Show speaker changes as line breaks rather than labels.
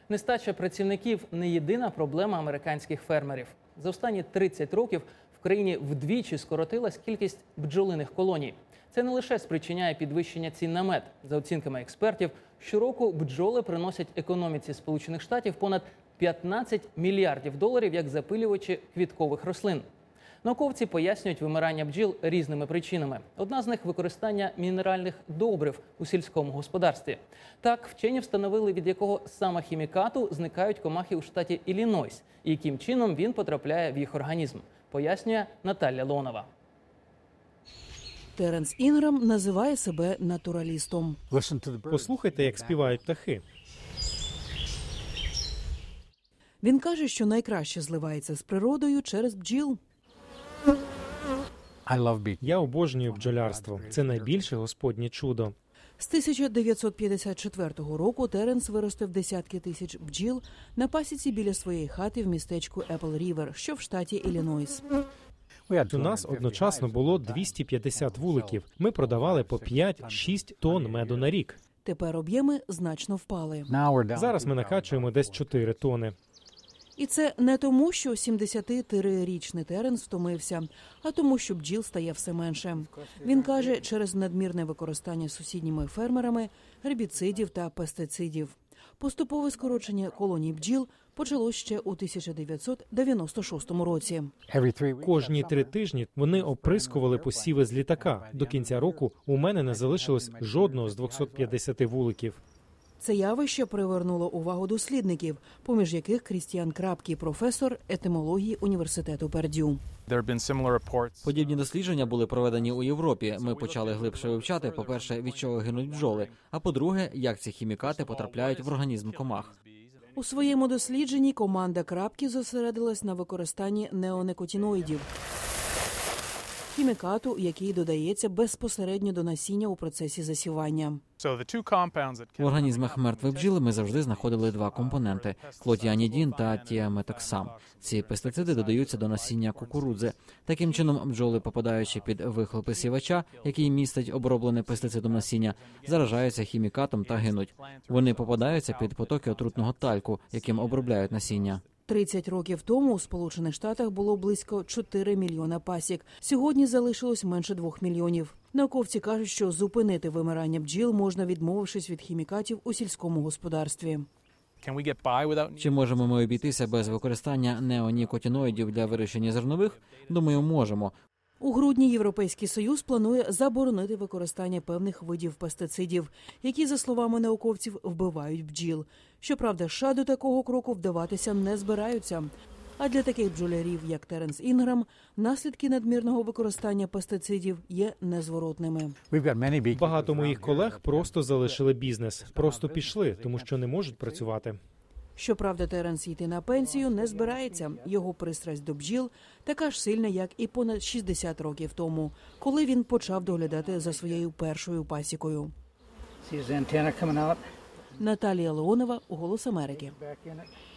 Нестача працівників – не єдина проблема американських фермерів. За останні 30 років в країні вдвічі скоротилась кількість бджолиних колоній. Це не лише спричиняє підвищення цін на мед. За оцінками експертів, щороку бджоли приносять економіці Сполучених Штатів понад 15 мільярдів доларів як запилювачі квіткових рослин. Науковці пояснюють вимирання бджіл різними причинами. Одна з них – використання мінеральних добрив у сільському господарстві. Так, вчені встановили, від якого саме хімікату зникають комахи у штаті Іллінойс і яким чином він потрапляє в їх організм, пояснює Наталя Леонова.
Теренс Інграм називає себе натуралістом.
Послухайте, як співають птахи.
Він каже, що найкраще зливається з природою через бджіл.
Я обожнюю бджолярство. Це найбільше господнє чудо.
З 1954 року Теренс виростив десятки тисяч бджіл на пасіці біля своєї хати в містечку Епл-Рівер, що в штаті Іллінойс.
У нас одночасно було 250 вуликів. Ми продавали по 5-6 тонн меду на рік.
Тепер об'єми значно впали.
Зараз ми накачуємо десь 4 тони.
І це не тому, що 73-річний Теренс втомився, а тому, що бджіл стає все менше. Він каже, через надмірне використання сусідніми фермерами гербіцидів та пестицидів. Поступове скорочення колоній бджіл почалось ще у 1996 році.
Кожні 3 тижні вони оприскували посіви з літака. До кінця року у мене не залишилось жодного з 250 вуликів.
Це явище привернуло увагу дослідників, поміж яких Крістіан Крапкі, професор етимології університету Пердю.
Подібні дослідження були проведені у Європі. Ми почали глибше вивчати, по-перше, від чого гинуть бджоли, а по-друге, як ці хімікати потрапляють в організм комах.
У своєму дослідженні команда Крапкі зосередилась на використанні неонекотиноїдів – хімікату, який додається безпосередньо до насіння у процесі засівання.
В організмах мертвих бджіл ми завжди знаходили 2 компоненти – клотіанідін та тіаметоксам. Ці пестициди додаються до насіння кукурудзи. Таким чином, бджоли, попадаючи під вихлопи сівача, який містить оброблене пестицидом насіння, заражаються хімікатом та гинуть. Вони попадаються під потоки отрутного тальку, яким обробляють насіння.
30 років тому у Сполучених Штатах було близько 4 мільйона пасік. Сьогодні залишилось менше 2 мільйонів. Науковці кажуть, що зупинити вимирання бджіл можна, відмовившись від хімікатів у сільському господарстві.
Чи можемо ми обійтися без використання неонікотиноїдів для вирощення зернових? Думаю, можемо.
У грудні Європейський Союз планує заборонити використання певних видів пестицидів, які, за словами науковців, вбивають бджіл. Щоправда, США до такого кроку вдаватися не збираються. А для таких бджолярів, як Теренс Інграм, наслідки надмірного використання пестицидів є незворотними.
Багато моїх колег просто залишили бізнес, просто пішли, тому що не можуть працювати.
Щоправда, Теренс йти на пенсію не збирається. Його пристрасть до бджіл така ж сильна, як і понад 60 років тому, коли він почав доглядати за своєю першою пасікою. Наталія Леонова, «Голос Америки».